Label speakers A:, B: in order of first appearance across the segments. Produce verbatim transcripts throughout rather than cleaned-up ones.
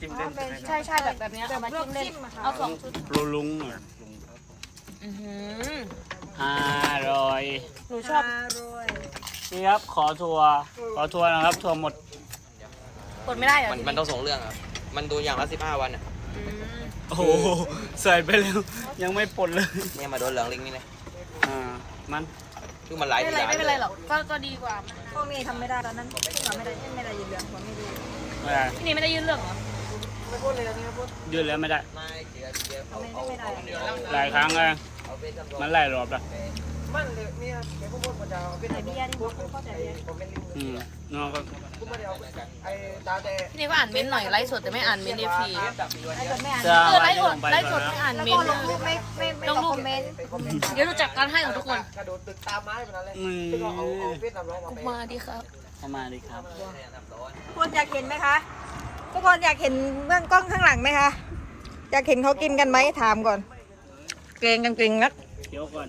A: จิ้มเล่น
B: ใช่ใช่แบบแบบนี้เอามาจิ้มเล่นเอาสองชุด
A: ปรุลุง
B: อือหือ
A: อร่อย
B: หนูชอบ
A: นี่ครับขอทัวร์ขอทัวร์นะครับทัวร์หมด
B: กดไม่ได้เหรอ
C: มันมันต้องส่งเรื่องครับมันดูอย่างละสิบห้าวันอ่ะ
A: โอ้โหใส่ไปแล้วยังไม่ปลดเลย
C: เนี่ยมาโดนเหลืองลิงนี่เลย
A: อ่ามัน
C: คือมันหลาย
B: ไม่เป็นไร
C: ที
B: ไม่เป็นไรหรอกก็ก็ดีกว่า
D: พวกนี้ทำไม่ได้ตอนนั้นที่เราไม่ได้ไม่ได้ยินเรื่องผมไม่รู้
A: ไม่ได้
B: ที่นี่ไม่ได้ยื่นเรื่องเหรอ
D: ไม่พูดเลยนี่พูด
A: ยืดแล้วไม่ได้
C: ไม่เดี๋ยวเดี๋ยวเขา
D: ไม่
C: เขา
D: ไม่ได้
A: หลายครั้งเลย
C: เอาไปทำร
A: มันหลายรอบแล้ว
E: มันเลยเนี่ยแกพูดพูดประจำเป็น
D: แต่เบียร์นี่ผมเข้าใจเบียร์
E: ผมเป็นลิง
A: อืมน้องก็
E: พูดมาเดียวไอ้ตาแต่
B: ที่นี่ก็อ่านเม้นต์หน่อยไลฟ์สดแต่ไม่อ่านเม้นต์เอฟพี
D: ไอ้คนไม่อ่าน
A: จะ
B: เออไล
A: วาง
B: ฟ์ส
A: ล
B: ด
A: งไป
B: ไลฟ์สดไม่อ่าน
D: แล้ว
B: เม้น
D: ก็
B: ต์
D: ลงรูปไม่ไม่ไม่ตอบคอมเมนต์
E: ไปคอมเมนต์
B: เดี๋ยวเราจัดการให้ของทุกคน
E: กระโดดตึกตามไม้แบบนั้นเลย
A: อืม
E: ซึ่งเอาเอาเฟซนำร้องมาไป
B: มาดีครับ
A: เข้ามาดีครับ
D: ทุกคนอยากเห็นไหมคะทุกคนอยากเห็นเบื้องกล้องข้างหลังไหมคะอยากเห็นเขากินกันไหมถามก่อนเกรงกันเกรงนัก
A: เคี้ยวก่อน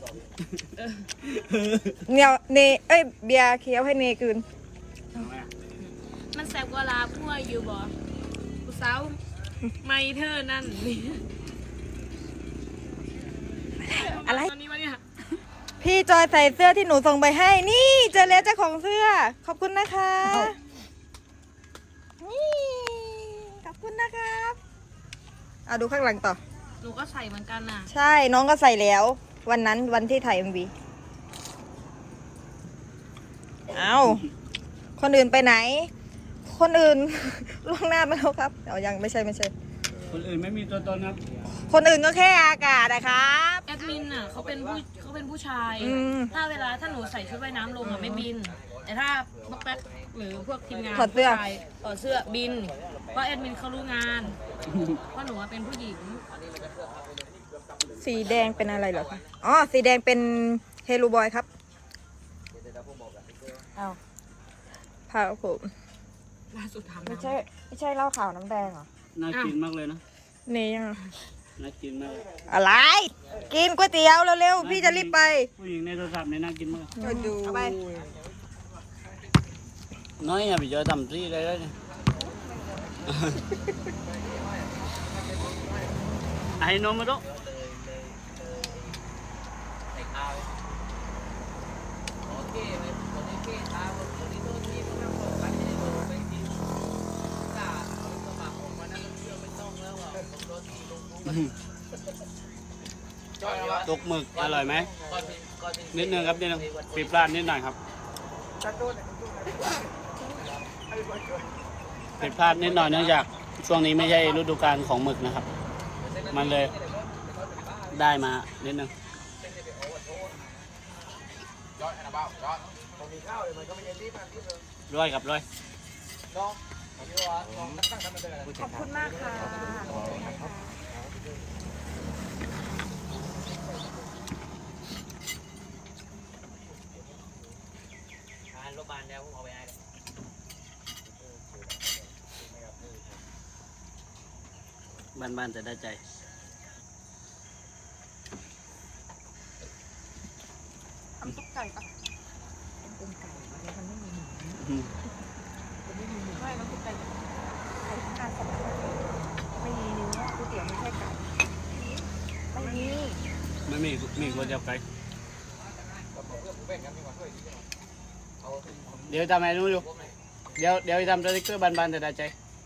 D: เนี่ยเนเอ้ยเบียร์เคี้ยวให้เนคืน
B: มันแสบกว่าลาพั่วอยู่บ่กูสาวไม่เธอนั่นนี่
D: อะไร
B: ตอนนี้วะเนี่ย
D: พี่จอยใส่เสื้อที่หนูส่งไปให้ นี่เจอแล้วเจ้าของเสื้อ ขอบคุณนะคะ นี่ ขอบคุณนะครับเอาดูข้างหลังต่อ
B: หนูก็ใส่เหมือนกันน่ะ
D: ใช่น้องก็ใส่แล้ว วันนั้นวันที่ถ่ายเอ็มวีเอาคนอื่นไปไหน คนอื่น ล่วงหน้าไปแล้วครับเอายังไม่ใช่ไม่ใช่
A: คนอื่นไม่มีตัวตนครับ
D: คนอื่นก็แค่อากาศนะครับ
B: แอดมินน่ะเขาเป็นผู้เขาเป็นผู้ชาย
D: อืม
B: ถ้าเวลาถ้าหนูใส่ชุดว่ายน้ำลงอ่ะไม่บิน แต่ถ้าพวกแป๊กหรือพวกทีมงาน
D: ถอดเสื้อ
B: ผู้ชายถอดเสื้อบิน เพราะแอดมินเขารู้งานเพราะหนูอะเป็นผู้หญิง
D: สีแดงเป็นอะไรเหรอคะอ๋อสีแดงเป็นเฮลูบอยครับเอาผ้าผม
B: ล่าสุดถาม
D: ไม่
B: น้ำ
D: ใช่ไม่ใช่เหล้าขาวน้ำแดงเหรอ
A: น่ากินมากเลยนะ
D: นี่ยัง
A: น่ากินมากเลย
D: อะไร กินก๋วยเตี๋ยวเร็วๆพี่จะรีบไป
A: ผู้หญิงในโทรศัพท์เนี่ยน่ากินมาก
D: ดูเอาไป
A: น้อยอย่าไปเจอทำซี่เลยเนี่ยไอ้นมมาดู ตกหมึกอร่อยไหมนิดนึงครับนิดนึงปีปลาดนิดหน่อยครับผิดพลาดนิดหน่อยเนื่องจากช่วงนี้ไม่ใช่ฤดูกาลของหมึกนะครับ มันเลยได้มานิดนึงร้อยกับร้อย
D: ขอบคุณมากค่ะ
C: รถบานเดียวผมเอาไปให้
A: บ้านๆจะได้ใจ
D: ทำซุปไก่ปะเป็นไก่มันไม่มีหมู
A: อืม
D: ไม่มันซุปไก่ไก่การสับไม่มีเนื้อก๋วยเตี๋ยวไม่ใช่ไก่ไม่มี
A: ไม่มีมีคนเดียวไกลเดี๋ยวทำอะไรนู้นอยู่เดี๋ยวเดี๋ยวทำสติ๊กเกอร์บ้านๆจะได้ใจ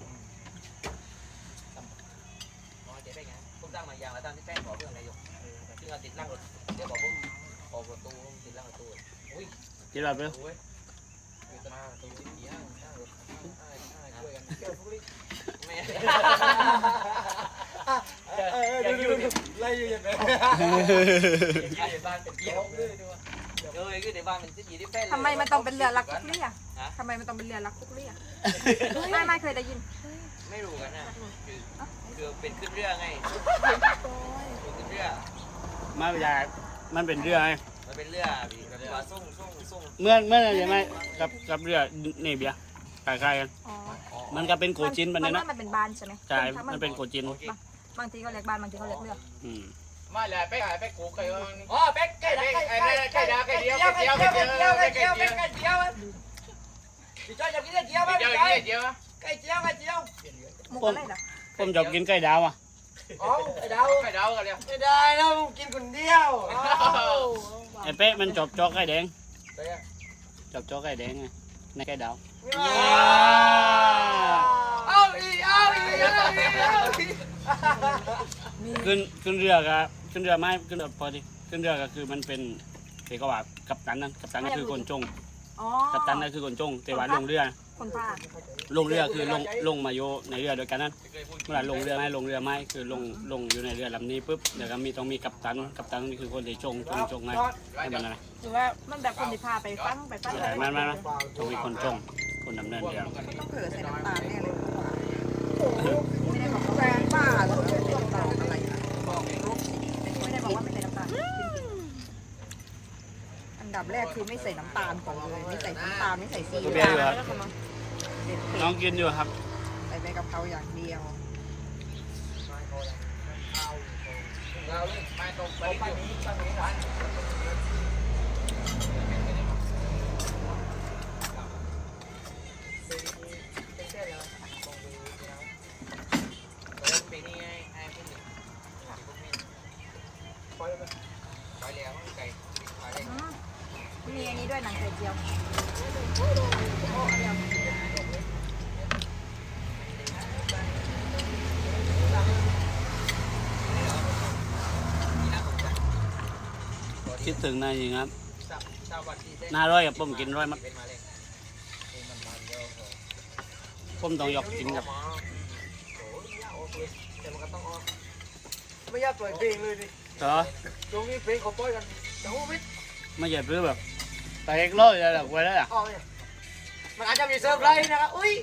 C: ผมตั้งมาอย่างละตั้งที่แป้งบอกเรื่องนายกซึ่งเราติดล่างรถเดี๋ยวบอกผมออกประตูติดล่างประตูอุ้ย
A: จีรับเร็ว
C: มาประตูที่ย่างย่างรถช่วยกันเกี่ยวทุกลิไม่
E: เออดูดูดูไล่อยู่อย่างไร
C: ในบ้านเป็นเกี่ยวเลยด้วยเออคือในบ้านเป็นที่ดีที่แป้ง
D: ทำไมมันต้องเป็นเรือรักคุกเรี่ยทำไมมันต้องเป็นเรือรักคุกเรี่ยไม่ไม่เคยได้ยิน
C: ไม่รู้กันนะคือคือเป็นขึ้นเรือไงขึ้นเรือ
A: มาอยากมันเป็นเรือไง
C: มันเป็นเรือแบบว่าส่งส่งส่ง
A: เมื่อเมื่อใช่ไหมกับกับเรือนี่เบียร์คล้ายๆกัน
D: อ๋อ
A: มันก็เป็นโกจินมันเนี่ยนะ
D: มันเป็นบ้านใช่ไหม
A: ใช่มันเป็นโกจิน
D: บางทีก็เรียกบ้านบางทีก็เรียกเรือ
A: อืม
E: มาเลยไปหายไปกูไก่อ๋อไปไก่ไก่ไก่ไก่ไก่เดียวไก่เดียวไก่เดียวไก่เดียวไก่เดียวไก่เดียวพี่จ้อยจะกินไก่เดียวไหมพี่จ้อยไก่เดียวไก่เดียวไก่เดียว
D: มุกอะไรเหรอ
A: ผมชอบกินไก่ดาวอ่ะ
E: อ๋อไข่ดาวไข่ดาวกันเลยไม่ได้แล้วกินคนเดียว
A: ไอ้เป๊ะมันชอบจอกไก่แดงชอบจอกไก่แดงไงในไก่ดาว
E: เอาอีเอาอีเอาอีเอาอี
A: ขึ้นขึ้นเรือกับขึ้นเรือไม่ขึ้นเรือพอดีขึ้นเรือก็คือมันเป็นเอกว่ากัปตันนั่นกัปตันก็คือคนจง
D: อ๋อ
A: กัปตันนั่นคือคนจงแต่ว่าลงเรือ
D: คนพา
A: ลงเรือคือลงลงมาโยในเรือโดยกันนั้นเมื่อไหร่ลงเรือไม่ลงเรือไม่คือลงลงอยู่ในเรือลำนี้ปุ๊บเดี๋ยวก็มีต้องมีกัปตันกัปตันนี่คือคนที่จงจงจงไงให้มันอะไร
D: หรือว่ามันแบบคนที่พาไปฟังไปฟัง
A: ใช่มันมันมันจงมีคนจงคนดำเนินเรือ
D: ต้องเผื่อใส่น้ำตาลแน่เลยไม่ได้บอกว่าแฟนบ้าหรอกใส่น้ำตาลอะไรนะไม่ได้บอกว่าไม่ใส่น้ำตาลอันดับแรกคือไม่ใส่น้ำตาลก่อนเลยไม่ใส่น้ำตาลไม่ใส่ซีอิ๊ว
A: น้องกินอยู่ครับ
D: ใส่ใบกะเพราอย่างเดียว
E: เราไม่ตรงไปนี้ไปนี้วันปีนี้ไอ้พวกนี้พวกนี้ปล่อยแล้วปล่อยแล้วไก่ปล่อยได้
D: มีอันนี้ด้วยหนังไข่เจียว
A: คิดถึงนายจริงครับน่าร้อยกับผมกินร้อยมั้งผมต้องยกกินกับ
E: ไม่อยากปล่อยเพลงเลยดิ
A: เหรอ
E: ตรงนี้เพลงเขาปล่อยกันแต่ว่าไม่
A: ไม่ใช่เพื่อแบบไปเอ็กโลเลยหรอกไว้แล้วอ่ะ
E: ออกเนี่ยมันอาจจะมีเซอร์ไพรส์นะครับอุ้ย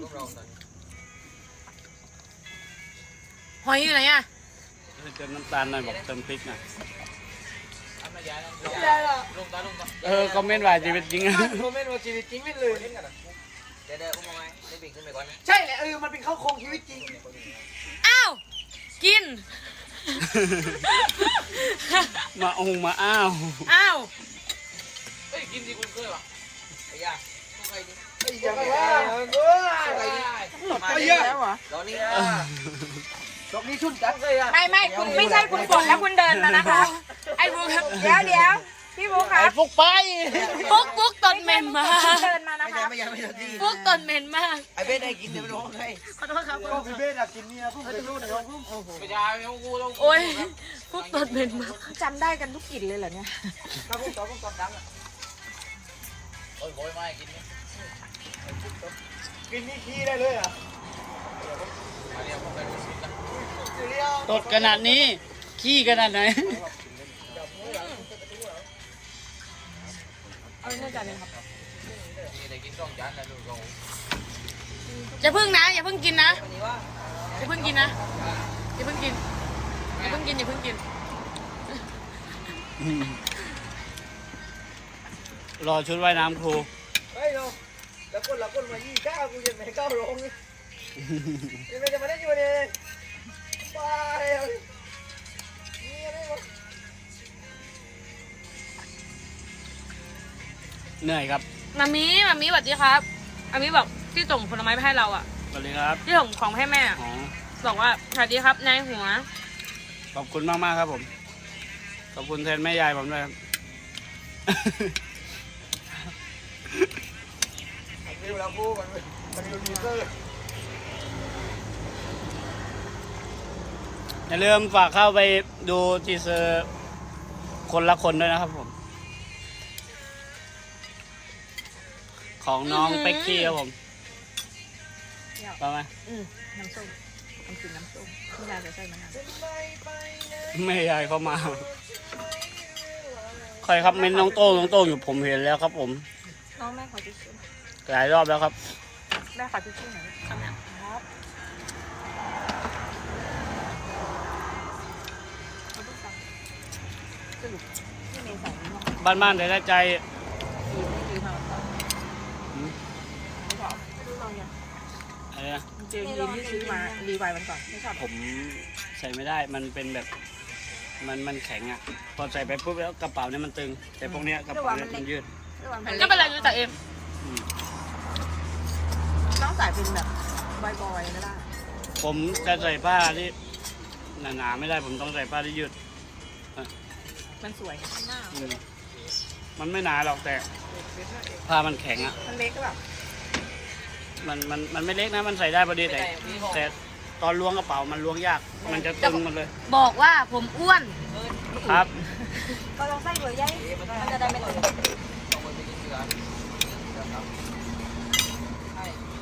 B: หอยอยู่ไหนอ่ะ
A: เติมน้ำตาลหน่อยบอกเติมพริกหน่อย
E: ไม่ได้หรอก
A: เออคอมเมนต์ว่าชีวิตจริงอะ
E: โมเมนต์ว่าชีวิตจริงไม่เลย
C: เดี๋ยวเดี๋ยวอุ้มเอาไว้ได้ปีกขึ้นไปก่อนนะ
E: ใช่แหละเออมันเป็นเข้าโครงชีวิตจริง
B: อ้าวกิน
A: มาองมาอ้าว
B: อ้าว
C: เฮ้ยกินดีคุณเคยปะไอ้ยาไม่เคยดิ
E: ไอ้ยังไงวะเออ
C: มา
E: ไอ้
C: ดิ
E: ยัง
D: แล้วเหรอ
C: ตอนนี้
E: ดอกนี้ชุ่นจังเลยอ่ะ
D: ไม่ไม่คุณไม่ใช่คุณกดแล้วคุณเดินมานะคะ
B: ไอ้บุ๊ก
D: เดี๋ยวเดี๋ยวพี่บุ๊คค
A: ไอ้
D: รับ
A: ฟุกไป
B: บุ๊กบุ๊กตนเหม็นมาก
D: คุณเดินมานะ
E: ไม่
D: ค
E: ใช่
D: รับ
E: ไม่ใช่ไม่ใช่ที่
B: บุ๊กตนเหม็นมาก
E: ไอ้เบ้ได้กินแต่ไม่รู้ใคร
B: ขอโทษครับ
E: ก็พี่เบ้อะกินเนี่ยพุ่งไปรู้นะพุ่งไม่ใช่ไม่ต้องกูต้อง
B: โอ้ยบุ๊กตนเหม็นมาก
D: จำได้กันทุกกลิ่นเลยเหรอเนี่ย
E: ถ้าพุ่งต่อพุ่งต่อดังอ่ะ
C: โอ้ยโอยไม่กินนี่
E: กินนี่ขี้ได้เลยอ่ะ
C: มาเรียกผมไปดูสินะ
E: เรียว
A: ตดขนาดนี้ ขี้ขนาดไหน
D: เอาเนื่องจากนี้ครับ
C: นี่ได้กินต้องจานนะลูกเรา
B: อย่าเพิ่งนะอย่าเพิ่งกินนะอย่าเพิ่งกินนะอย่าเพิ่งกินอย่าเพิ่งกินอย่าเพิ่งกิน
A: รอชุดว่ายน้ำครู
E: เฮ้ยเราแล้วคนละคนมายี่ก้าวกูยังไม่ก้าวลงนี่ยังไม่จะมาได้อยู่เนี่ยไปนี่อะไรวะ
A: เหนื่อยครับ
B: มามีมามีสวัสดีครับมามีบอกที่ส่งผลไม้ไปให้เราอ่ะ
A: สวัสดีครับ
B: ที่ส่งของให้แม่
A: อ๋อ
B: บอกว่าสวัสดีครับนายหัว
A: ขอบคุณมากมากๆครับผม ขอบคุณแทนแม่ยายผมด้วยครับ
E: เร็วแล้วกูมันมันดูดีเซอร์
A: อย่าลืมฝากเข้าไปดูทีเซอร์คนละคนด้วยนะครับผม ของน้องเป็กกี้ครับผมไปไหม
D: อืมน้ำส้มน้ำจิ้มน้ำส้มไม่ได้จะใส่มะนาว
A: แม่ยายเข้ามา ใครครับเม้นน้องโต้งน้องโต้งอยู่ผมเห็นแล้วครับผม
D: น้องแม่ขอทิชชู่
A: หลายรอบแล้วครับ
D: แม่ขอทิชชู่หน่อยครับครับเอาลูกตังสรุปที่เมย์ใส่นี่ห้อง
A: บ้านบ้านได้ใจ
D: ดีไม่ดีค่ะไม่ชอบไม่รู้เราเนี่ย
A: อะไรนะ
D: เจอยีนที่ซื้อมารีไวล์มันก่อนไม่ชอบ
A: ผมใส่ไม่ได้มันเป็นแบบ มันมันแข็งอ่ะ พอใส่ไปปุ๊บแล้วกระเป๋าเนี่ยมันตึง แต่พวกเนี้ยกระเป๋าเนี่ยมันยืด
B: ก็เป็นไรรู้จักเอง
A: อืม
D: ต้องใส่เป็นแบบบอยๆก็ได้
A: ผมจะใส่ผ้าที่หนาๆไม่ได้ผมต้องใส่ผ้าที่ยืด
B: มันสวย
A: อืมมันไม่หนาหรอกแต่ผ้ามันแข็งอ่ะ
D: มันเล็กหรือเปล่า
A: มันมันมันไม่เล็กนะมันใส่ได้พอดีแต่แต่ตอนล้วงกระเป๋ามันล้วงยาก มันจะตึงหมดเลย
B: บอกว่าผมอ้วน
A: ครับ
D: ก็ลองใส่เบอร์ใหญ่มันจะได้ไม่ตึง
C: ต้องคนไปกินเสือเสือครับใช่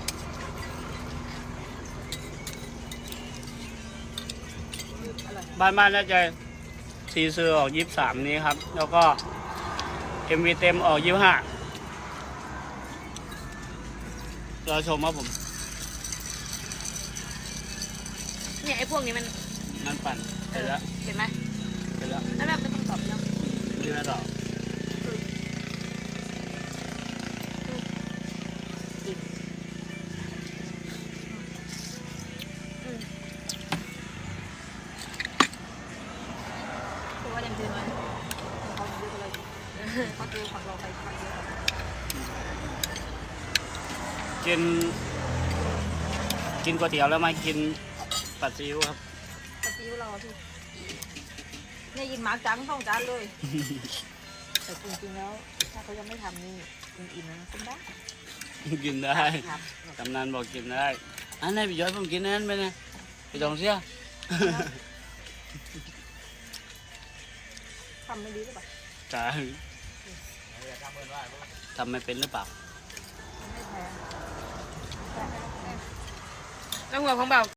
A: บ้านบ้านน่าจะซีเซอร์ออกยี่สิบสามนี้ครับ แล้วก็เอ็มวีเต็มออกยี่สิบห้าเราชมครับผม
B: เนี่ยไอ้พวกนี้มัน
A: นั่นปั่นเสร็จแล้ว
B: เห็นไหม
A: เสร็จแล้ว
B: แล้วแบบไม่ต้องตอบแล้ว
A: นี่ไม่ต่อ
D: คือว่ายังเจอไหมเขาเยอะกว่าเราเขาดูของเราไปเยอะ
A: กิน กินก๋วยเตี๋ยวแล้วมากินปัดซีอิ๊วครับ
D: ปฏิวเราที่เนี่ยยินหมาจังต้องจานเลย แต่จริงๆแล้วถ้าเขายังไม่ทำนี่อิ่มๆนะคุณได้
A: กินได้กำนันบอกกินได้อันไหนพี่ย้อยผมกินนั้นไปนะไปจองเสีย
D: ทำไม่ดีหรือเปล่า
A: จ้าทำไม่เป็นหรือเปล่า
D: ไม่แพ้
B: แล้วหัวของเบา